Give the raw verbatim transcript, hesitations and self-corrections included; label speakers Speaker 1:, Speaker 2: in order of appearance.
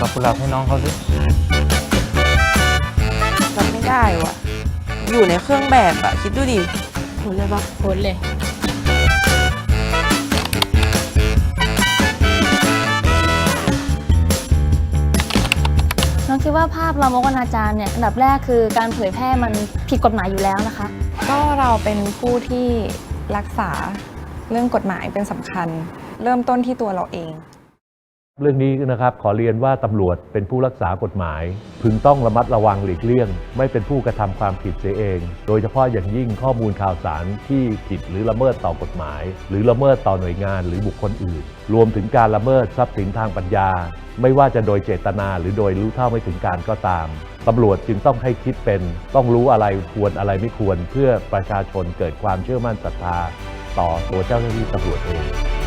Speaker 1: กุหลาบให้น้องเขาสิ
Speaker 2: รับไม่ได้ว่ะอยู่ในเครื่องแบบอะคิดดูดิโหดเลยปะ
Speaker 3: โพสเลย
Speaker 4: น้องคิดว่าภาพลามกอนาจารเนี่ยอันดับแรกคือการเผยแพร่มันผิดกฎหมายอยู่แล้วนะคะ
Speaker 5: ก็เราเป็นผู้ที่รักษาเรื่องกฎหมายเป็นสำคัญเริ่มต้นที่ตัวเราเอง
Speaker 6: เรื่องนี้นะครับขอเรียนว่าตำรวจเป็นผู้รักษากฎหมายพึงต้องระมัดระวังหลีกเลี่ยงไม่เป็นผู้กระทำความผิดเสียเองโดยเฉพาะอย่างยิ่งข้อมูลข่าวสารที่ผิดหรือละเมิดต่อกฎหมายหรือละเมิดต่อหน่วยงานหรือบุคคลอื่นรวมถึงการละเมิดทรัพย์สินทางปัญญาไม่ว่าจะโดยเจตนาหรือโดยรู้เท่าไม่ถึงการก็ตามตำรวจจึงต้องให้คิดเป็นต้องรู้อะไรควรอะไรไม่ควรเพื่อประชาชนเกิดความเชื่อมั่นศรัทธาต่อตัวเจ้าหน้าที่ตำรวจเอง